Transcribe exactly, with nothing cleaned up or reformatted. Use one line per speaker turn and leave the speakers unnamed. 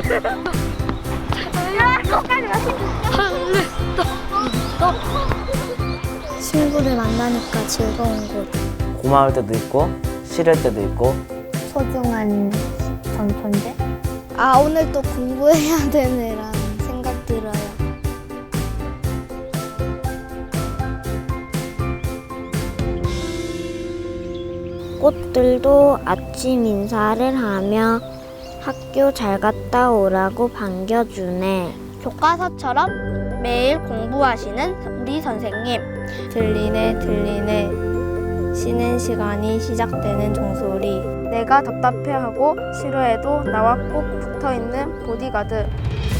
친구를 만나니까 즐거운 곳.
고마울 때도 있고 싫을 때도 있고
소중한 전 존재? 아, 오늘 또 공부해야 되네라는 생각 들어요. 꽃들도 아침 인사를 하며 학교 잘 갔다 오라고 반겨주네. 교과서처럼 매일 공부하시는 우리 선생님. 들리네 들리네 쉬는 시간이 시작되는 종소리. 내가 답답해하고 싫어해도 나와 꼭 붙어있는 보디가드.